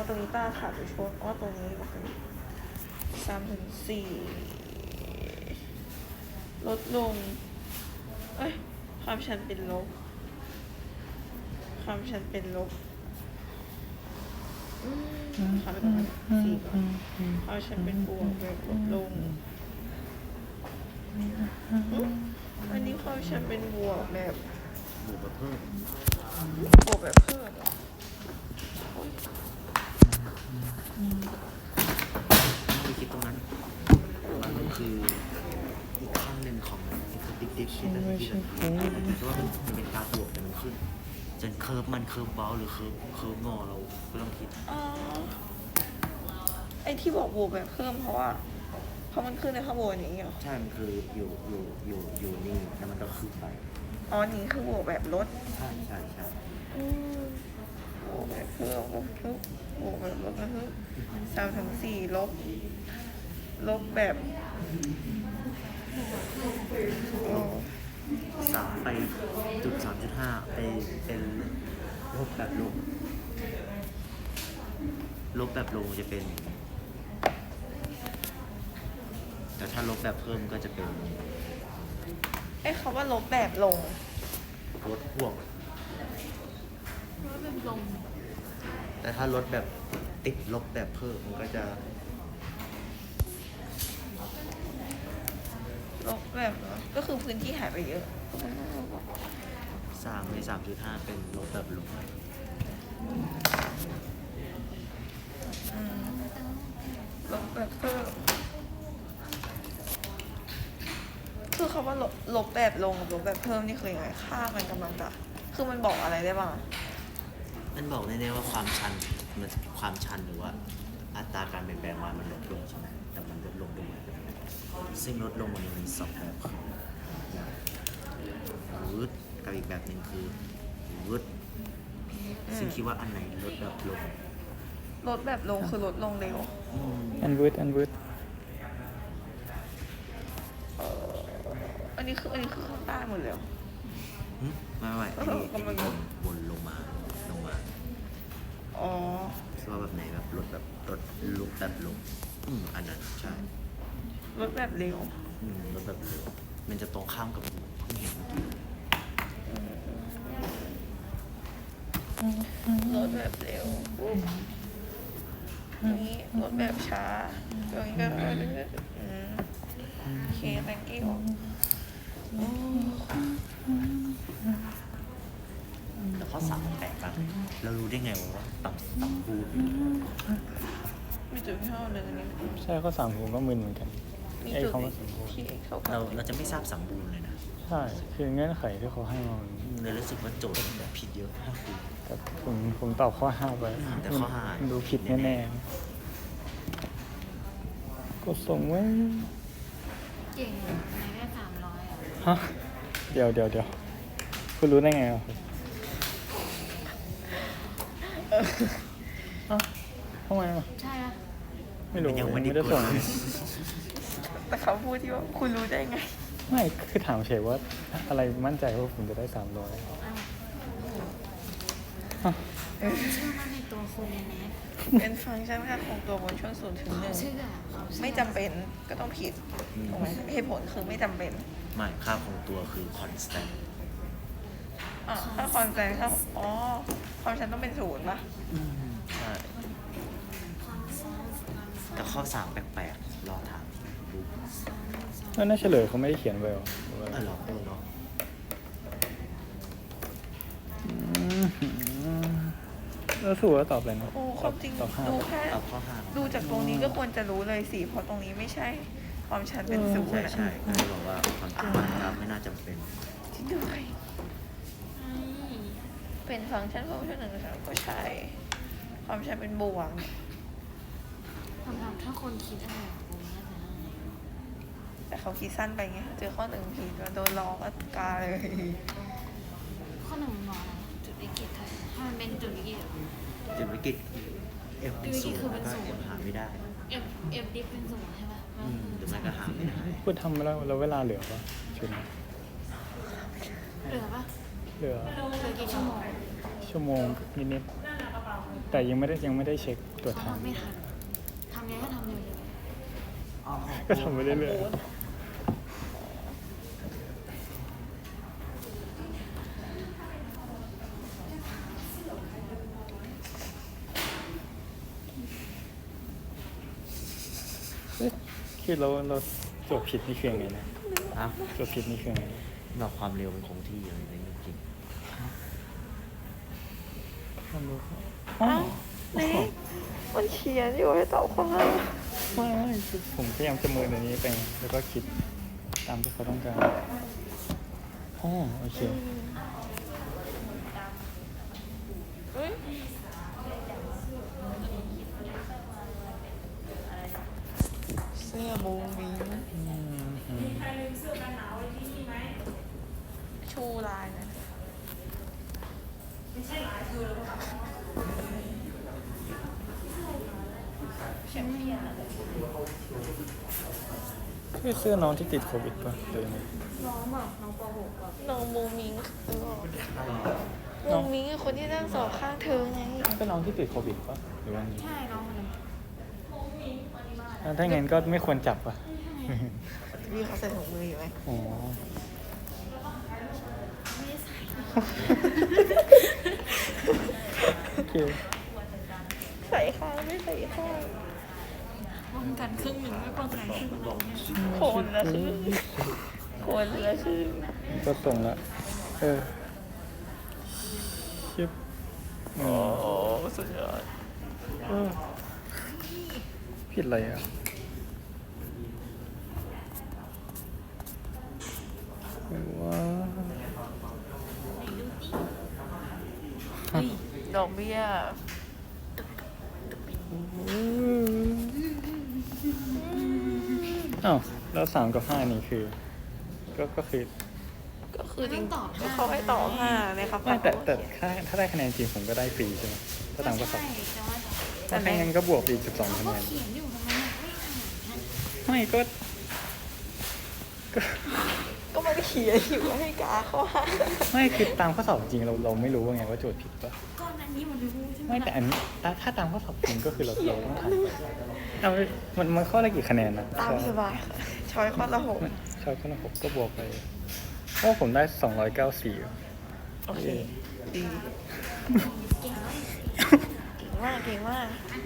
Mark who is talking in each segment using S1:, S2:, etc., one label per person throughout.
S1: ตรงนี้ตาขาดไปชนตรงนี้โอเค3-4ลดลงความชันเป็นลบความชันเป็นลบความเป็น4ก่อนความชันเป็นบวกแบบลดลงอันนี้ความชันเป็นบวกแบบ
S2: บวกเพิ่ม
S1: บวกแบบเพิ่ม
S2: ไม่คิดตรงนั้นมันคืออีกขั้นหนึ่งของติ๊กที่เราคิดว่ามันเป็นการบวกแต่มันขึ้นจนเคิร์ฟมันเคิร์ฟเบลหรือเคิร์ฟงอเราก็ต้องคิด
S1: ไอ้ที่บอกบวกแบบเพิ่มเพราะมันขึ้นในข้างบนอย่างนี้เหรอ
S2: ใช่มันคืออยู่นี่แล้วมันก็ขึ้นไป
S1: นี่คือบวกแบบลด
S2: ใช่
S1: บวกแบบเพิ่มบวกแบบลดนะคือ3-4ลบแบบ
S2: 3ไปจุด3.5ไปเป็นลบแบบลงจะเป็นแต่ถ้าลบแบบเพิ่มก็จะเป็น
S1: คำว่าลบแบบลง
S2: ลดพ่วงแต่ถ้าลดแบบติดลบแบบเพิ่มมันก็จะ
S1: ลบแบบก็คือพื้นที่หายไปเยอะ
S2: 3ใน 3.5 เป็นลบแบบลง
S1: ลบแบบเพิ่มคือคำว่าลบแบบลงกับลบแบบเพิ่มนี่คือยังไงค่ามันกำลังจะคือมันบอกอะไรได้บ้าง
S2: มันบอกแน่ๆว่าความชันหรือว่าอัตราการเปลี่ยนแปลงมันลดลงใช่ไหมแต่มันลดลงด้วยซึ่งลดลงมันมี2แบบคือวืดกับอีกแบบหนึ่งคือวืดซึ่งคิดว่าอันไหนลดแบบลง
S1: คือลดลงเร็ว
S3: อันวืด
S1: อันนี้คือข้างใต้หมดเลย
S2: ไม่อันนี้วนลงมาคิดว่าแบบไหนแบบลดลุกแบบลงอันนั้นใช่
S1: ลดแบบเร็ว
S2: ลดแบบเร็วมันจะตรงข้ามกับเพิ่งเห็นเมื่อกี้
S1: ลดแบบเร็วนี้ลดแบบช้าตรงนี้ก็โอเค thank you
S2: แต่ข้อ3แปลกป่ะเรารู้ได้ไงว่าต่ำบูด
S1: มีจุดเท่าเลยนี่
S3: ใช่ข้อ3ผมก็มึนเหมือนกัน
S1: ไอ้คำว่า
S2: เราจะไม่ทราบสมบูรณ์เลยนะ
S3: ใช่คือเงื่อนไขที่เขาให้มา
S2: เลยรู้สึกว่าโจทย์แบบผิดเยอะมากคุณ
S3: แต่ผมตอบข้อ5ไป
S2: แต่ข้อ5
S3: ดูผิดแน่ๆกดส่งไว้
S4: เก่งในได้300
S3: ฮะเดี๋ยวคุณรู้ได้ไงครับทำไม
S4: ใช่ปะ
S3: ไม่รู้ยังไม่ได้ส่ง
S1: แต่เขาพูดที่ว่าคุณรู้ได้ไง
S3: ไม่คือถามเฉยว่าอะไรมั่นใจว่าผมจะได้300
S4: เชื่อมั่นในตัวคุณเลยนะ
S1: เป็นฟังก์ชันค่าคงตัวบนช่วง0-1ไม่จำเป็นก็ต้องผิดถูกไหมเหตุผลคือไม่จำเป็น
S2: ไม่ค่าคงตัวคือ constant
S1: ถ้าคอนแซนครับความชันต้องเป็น0ป่ะ
S2: ใช่แต่ข้อ3แปลกๆรอถามดู
S3: แล้วน่าเฉลยเขาไม่ได้เขียนไว้หรอ
S2: หรอเนาะ
S3: แล้วสูว่าตอบอะไรนะ
S1: ความจริงดูแค่ดูจากตรงนี้ก็ควรจะรู้เลยสิเพราะตรงนี้ไม่ใช่ความชันเป็น0
S2: ใช่ก็เลยบอกว่าความจริงมันไม่น่าจำเป็น
S1: จริงด้วยเป็นฟังก์ชันฟังก์ชัน1-3ก็ใช่ความชันเป็นบวก
S4: สำหรับถ้าคนคิดอะไรผมน่าจะได้
S1: แต่เขาคิดสั้นไปไงเจอข้อ1ผิดก็โดนล้อก็กาเลย
S4: ข้อ1มันบอกอะไรจุดวิกฤตถ้ามันเป็นจุดวิกฤต
S2: F เป็น0ก็Fหาไม่ได้
S4: Fดิฟเป็น0ใช่ป่ะ
S2: หรือไม่ก็หาไม่ได้
S3: พูดทำแล้วเวลาเหลือปะชุดนี้
S4: เหลือปะ
S3: เหลือ
S4: กี่ชั่วโมง
S3: นิดแต่ยังไม่ได้เช็คตรวจ
S4: เขา
S3: ทาง
S4: ทำไม่ทันทำไงก็ทำเร็ว
S3: ก็ทำไปเรื่อยๆเอ๊ะคือเราตรวจผิดนี่คือยังไงนะ
S2: อ่ะ
S3: ตรวจผิดนี่คือยังไง
S2: เราความเร็วมันคงที่อะไรในจริง
S3: อ๋อ
S1: นี่มันเขียนอยู่ให้ตอบข้อห้า
S3: ไม่คือผมพยายามจะเมินอันนี้ไปแล้วก็คิดตามที่เขาต้องการอ๋อโอเค
S1: เฮ้ยเสื้อบูมิง ชูลายนะ
S3: คือเสื้อน้องที่ติดโควิดป่ะหรือยังไง
S4: ๆน้องแบบน้องป .6 อ่ะ
S1: น้องมูมิงคือมูมิงคือคนที่นั่งสอบข้างเธอไง
S3: ก็น้องที่ติดโควิดป่ะหรือว่าไง
S4: ใช่น้องคนนั้น
S3: ถ้างั้นก็ไม่ควรจับป่ะ
S1: พี่เขาใส่ถุงมืออยู่ไหม
S3: อ๋อ
S4: ไม่ได้ใส่
S3: โอเค
S1: ใส่ข้างไม่ใส่ข้าง
S4: ป้องกันครึ่งหนึ่งไม่ป้องกันครึ่งหนึ่ง
S1: คนละครึ่งคนละครึ่ง
S3: ก็ส่งละชิป
S1: โอ้สุดยอด
S3: ผิดอะไรอ่ะว้า
S1: ดอกเบี้ย
S3: อ้าวแล้ว3 กับ 5นี่คือ ก็คือ
S1: ก็คือจริงก็เขาให้ต่อ5นะครับ
S3: ไม่แต่ถ้าได้คะแนนจริงผมก็ได้ฟรีใช่ไหมถ้าตามข้อสอบ
S4: ใช่แต่ว่า
S3: ถ้าไม่งั้นก็บวกอีก12
S4: เขา
S3: คะ
S4: ก็
S3: แนน
S4: เขียนอยู่ทำไมไม่อ่านนะ
S3: ไม่ก็
S1: ก็มันเขียนอยู่ให้กาเขาห้า
S3: ไม่คือตามข้อสอบจริงเราไม่รู้ว่าไงว่าโจทย์ผิดปะ
S4: ก่อนอันนี้มันรู้ใช่ไหม
S3: ไม่แต่อันนี้ถ้าตามข้อสอบจริงก็คือเราต้องทำเอามันข้อละกี่คะแนนนะ
S1: ตามสบายค่ะช้อยข้อละ6
S3: ชอบข้อละ6ก็บวกไปเพราะผมได้294
S1: โอเคดี
S4: เก่งมาก
S1: เก่งมากเก่งมาก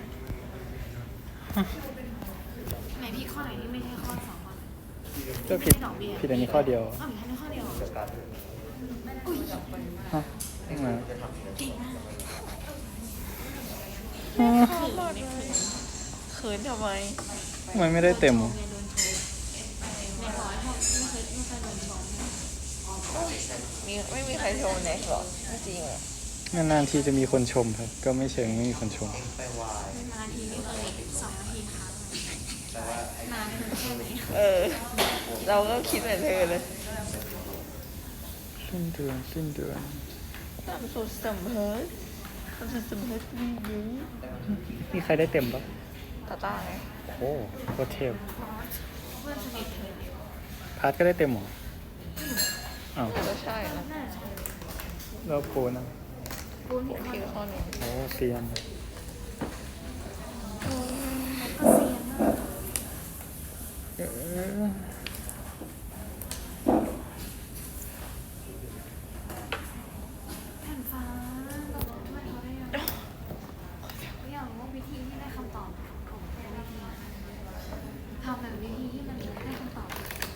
S4: ไหนพี่ข้อไหนที่ไม่ใช่ข้อ2ข้อ
S3: ก็ผิดอันนี้ข้อเดียว
S4: อ้าวมีแค่ข้อเดียว
S3: ฮะมา
S4: เก่งมาก
S1: เขินทำไม
S3: ทำไมไม่ได้เต็ม
S4: โดนโชว์ในร้อยห้องไม่เคยโดนชม
S1: ไม่มีใครชมเน็กหรอไม่จริงอ่ะ
S3: นานๆทีจะมีคนชมครับ ก็ไม่เชิงไม่มีคนชม
S4: นาทีนี่เคย2 นาทีครั้งนานถึงแค่ไหน
S1: เราก็คิดเหมือนเธอเลย
S3: สิ้นเดือน
S1: ตามสุดสำเพ็จตามสุดสำเพ็จดีอยู่
S3: มีใครได้เต็มปะ
S1: ตาต้าไง
S3: โอ้โคตรเทพ
S4: เพื่อนสนิทเธอ
S3: พาร์ทก็ได้เต็มเหรออ้าว
S1: ก็ใช่นะ
S4: น่าจะ
S3: แล้วโปนะ
S4: ปูน
S1: ผม
S4: ผิ
S1: คิ
S4: ด
S1: ดข้อหนึ่ง
S3: โอ้เซียน
S4: ก็เซียนมาก
S3: เออ
S4: แผ่นฟ้าก็บอกว่าเขาได้ยังก็อยากรู้ว่าวิธีที่ได้คำตอบของแต่ละวิธีทำแบบวิธีที่มันได้คำตอบ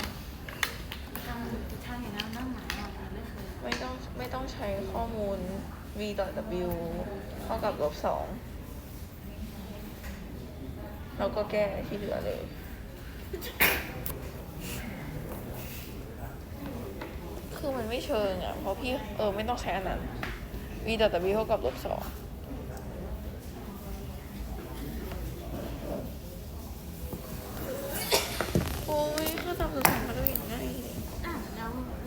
S4: ทำอย่างนั้นนั่งหมายเราไม่เคย
S1: ไม่ต้องใช้ข้อมูล v ต่อ w เท่ากับ-2แล้วก็แก้ที่เหลือเลย คือมันไม่เชิงอ่ะ เพราะพี่ไม่ต้องใช้อันนั้น v ต่อ w เท่ากับ-2โอ้ยค่าตามสุดท้ายมาด้วยอย่างง่ายเลย
S4: อ่ะแล้ว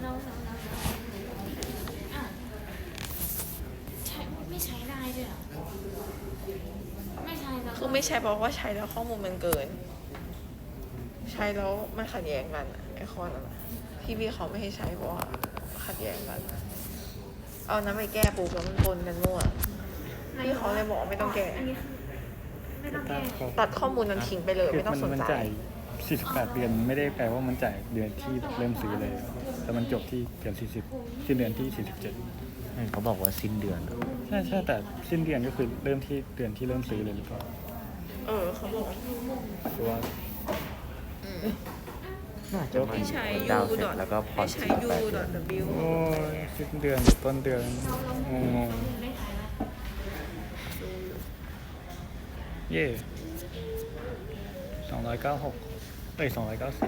S4: อ่ะใช้ไม่ใช้ได้ด้วยเหรอไม่ใช้แล้ว
S1: คือไม่ใช่เพราะว่าใช้แล้วข้อมูลมันเกิน ใช้แล้วมันขัดแย้งกันอะไอข้อนั้นอะพี่เขาไม่ให้ใช้เพราะว่าขัดแย้งกัน เอานั้นไปแก้ปุ๊บแล้วมันปนกันมั่วพี่เขาเลยบอกว่าไม่ต้องแก้
S4: อันนี้คือไม่ต้องแก้
S1: ตัดข้อมูลนั้นทิ้งไปเลย
S3: คือ
S1: ไม่ต้องสน
S3: มัน
S1: ใจ
S3: จ่าย48 เดือนไม่ได้แปลว่ามันจ่ายเดือนที่แบบเริ่มซื้อเลย แต่มันจบที่เดือน40สิ้นเดือนที่47
S2: เขาบอกว่าสิ้นเดือน
S3: ใช่แต่สิ้นเดือนก็คือเริ่มที่เดือนที่เริ่มซื้อเลยหรือเปล่า
S1: เขาบอก
S3: หรือว่า
S2: น่าจะมา
S1: ให้ใช้
S2: ดาวน์เสร็จแล้วก็ผ่อน
S1: ให้ใช้
S2: 48 เดือน
S1: u.w
S3: โอ้ยสิ้นเดือนต้นเดือนงง
S4: ได้ใช้ไหม
S3: ๆเย่296294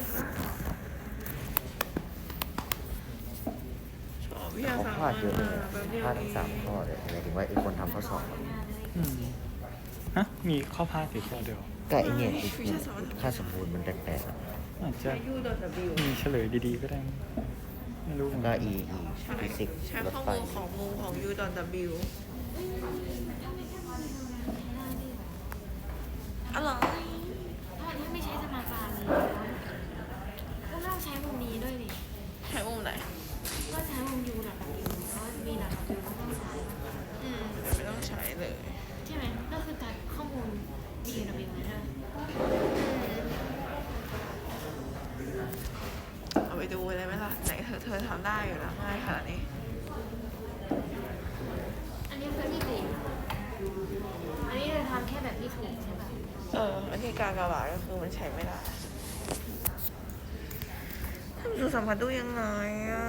S1: ชอบวิทยา
S2: เขา
S1: ศาสตร์
S2: พลาดเยอะเลย
S1: แบบเดียว
S2: พลาดทั้ง3 ข้อเลยหมายถึงว่าไอ้คนทำข้อสอบอะ
S3: อืมฮะมีข้อพลาดอยู่ข้อเดียว
S2: ก็ไอ้เนี่ยไอ้ค่าสมบูรณ์มันแปลกๆอะ
S3: อาจจะ
S1: ใช้ u.w
S3: มีเฉลยดีๆก็ได้ ไม่รู้เหมื
S2: แล้
S3: อ
S2: วน ก็
S3: กัน
S2: ฟิสิกส์
S1: ใช้
S2: รถ
S1: ข้อ
S2: ไฟ
S1: มูลของมุมของ u.w อะไร
S4: ถ้าไม่ใช้สมาการเลยก็ต้องใช้มุมนี้ด้วยดิ
S1: ใช้มุมไหน
S4: ก็ใช้มุมยูดับบิวเพราะว่ามีดับบิวก็ต้องใช้
S1: ไม่ต้องใช้เลย
S4: ใช่ไหมก็คือการข้อมูลมีดับบิวเลยใช่ไหม
S1: เอาไปดูเลยไหมล่ะไหนเธอทำได้อยู่แล้วง่ายขนาดนี้
S4: อันนี้คือที่สี่อันนี้จะทำแค่แบบที่ถูกใช่ป่ะ
S1: วิธีการระบายก็คือมันใช้ไม่ได้ทำดูสัมผัสดูยังไงอ่ะ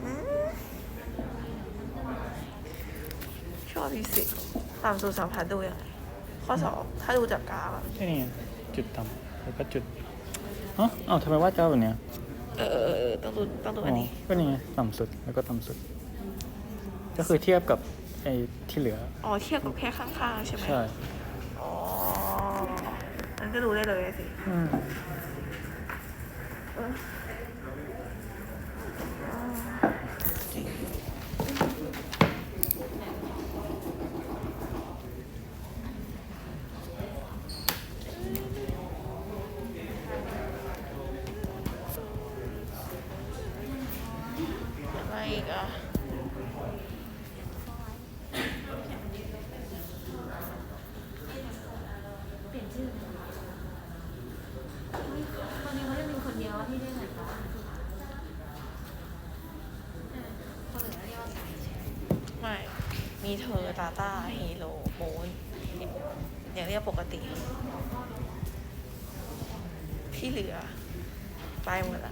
S1: ชอบฟิสิกส์ตามสูตรสัมผัสดูยังไงข้อสอบถ้าดูจากกราฟอะ
S3: แค่นี้ไงจุดต่ำแล้วก็จุดเอ้าทำไมวาดเจ้าแบบเนี้ย
S1: ต้องดูอันนี้
S3: ก็นี่ไงต่ำสุดแล้วก็ต่ำสุด ก็คือเทียบกับไอ้ที่เหลือ
S1: เทียบกับแค่ข้างๆใช่ไหม
S3: ใช่
S1: อ๋อมันก็ดูได้เลยสิ
S3: อืม
S1: อะไรอีกอ่ะ
S4: เปลี่ยนชื่อตอนนี้เขาจะมีคนเดียวที่ได้เหมือนกันคนอื่นเรียกว่าสายใช่
S1: ไม่ มีเธอ ตาต้าฮีโร่โมนอย่างเรียกปกติ ที่เหลือ ไปหมดละ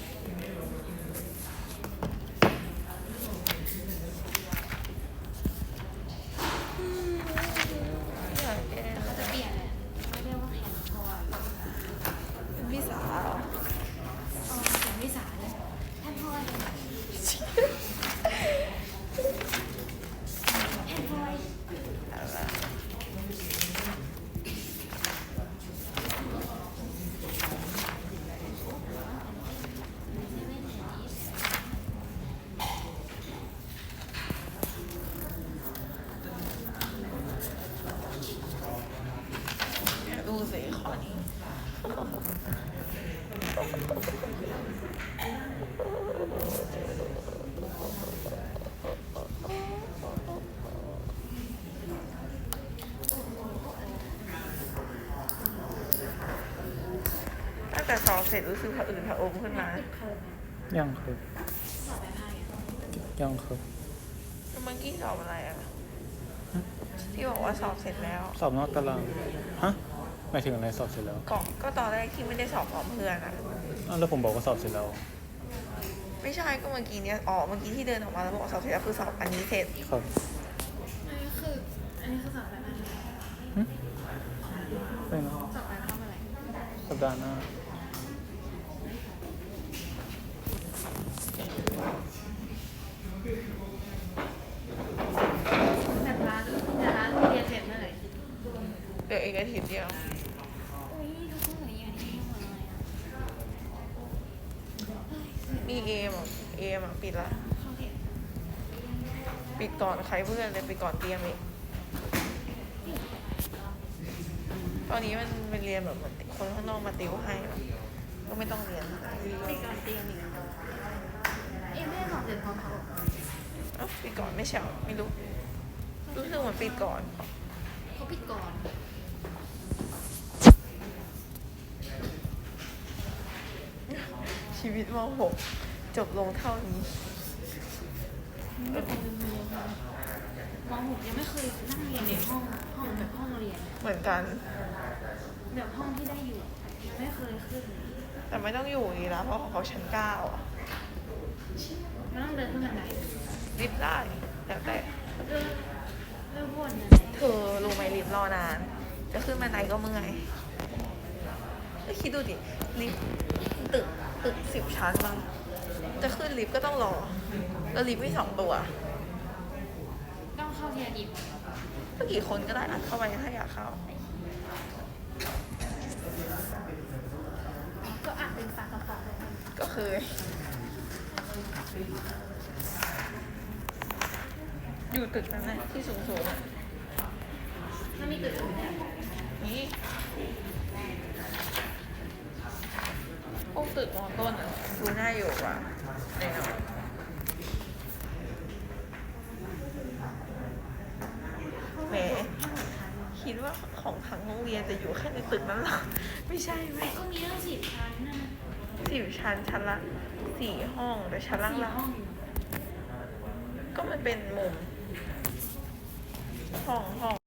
S1: อยากแก้
S4: เขาจะเปลี่ยนแหละเขาเรียกว่าแผ่นทอย
S1: เป็นพี่สาว
S4: แผ่นวิสาเลยแผ่นทอยแผ่นทอย
S1: อะไรดูสิข้อนี้ ตั้งแต่สอบเสร็จรู้สึกผะอืดผะอมขึ้นมา
S3: ยังครับ
S4: สอบไปพายอ่ะ
S3: ยังครับ
S1: แล้วเมื่อกี้สอบอะไรอ่ะ ที่บอกว่าสอบเสร็จแล้ว
S3: สอบนอกตารางฮะหมายถึงอะไรสอบเสร็จแล้ว
S1: ก็ตอนแรกที่ไม่ได้สอบพร้อมเพื่อนอ่ะ
S3: อ้าวแล้วผมบอกว่าสอบเสร็จแล้ว
S1: ไม่ใช่ก็เมื่อกี้เนี้ยเมื่อกี้ที่เดินออกมาแล้วบอกว่าสอบเสร็จแล้วคือสอบอันนี้เสร็จ
S3: ครับ
S4: อันนี้คือสอบไปพาย
S3: ไปเนาะ
S4: สอบไปเข้ามาอะไร
S3: สัปดาห์หน้า
S4: แต่ร้านเรียนเสร็จเมื่อไหร่
S1: เดี๋ยวอีกอาทิตย์เดียว
S4: อุ้ยทุกคนเหมือนอย่างนี้หมดเลยอ่ะ
S1: มีเอมอ่ะปิดละ
S4: เขาเรียน
S1: ปิดก่อนใครเพื่อนเลยปิดก่อนเตรียมอีกตอนนี้มันเป็นเรียนแบบเหมือนคนข้างนอกมาติวให้อะก็ไม่ต้องเรียน
S4: มีการเตรียมอีกไม่ได้สอบเสร็จพร้อมเขา
S1: ปิดก่อนไม่เฉาไม่รู้
S4: เ
S1: รู้สึกเหมือนปิดก่อน
S4: เขาปิดก่อน
S1: ชีวิตม .6 จบลงเท่านี้
S4: ไม่เป็นเมืองมองผมยังไม่เคยนั่งเรียนในห้องแบบห้องเรียน
S1: เหมือนกัน
S4: แบบห้องที่ได้อยู่ยังไม่เคยขึ้น
S1: แต่ไม่ต้องอยู่อย่างนี้นะเพราะของเขาชั้น 9อ่ะ
S4: มันต้องเดินขึ้นบันได
S1: ลิฟต์ได้แล้วแต่
S4: เริ่มวนนะ
S1: เธอรู้ไหมลิฟต์รอนาน จะขึ้นบันไดก็เมื่อยก็คิดดูดิ ลิฟต์ตึก10 ชั้นมั้งจะขึ้นลิฟต์ก็ต้องรอ แล้วลิฟต์มี2 ตัว
S4: ต้องเข้าทีละดิบ
S1: ก็กี่คนก็ได้อัดเข้าไปถ้าอยากเข้า
S4: ก็อ่านเป็นปากกระป๋องเลย
S1: ก็เคย อยู่ตึกนั้นนะที่สูงๆอะ
S4: มันมีตึกอื่นเนี่ย
S1: นี่พวกตึกมอต้นอ่ะดูน่าอยู่กว่าแน่นอนแหมคิดว่าของทั้งโรงเรียนจะอยู่แค่ในตึกนั้นเหรอ ไม่ใช่ไหม
S4: ก็มีตั้ง10 ชั้นนะ
S1: 10 ชั้นชั้นละ4 ห้องแต่ชั้นล่าง
S4: 4 ห้องอยู่
S1: ๆก็มันเป็นมุมห้อง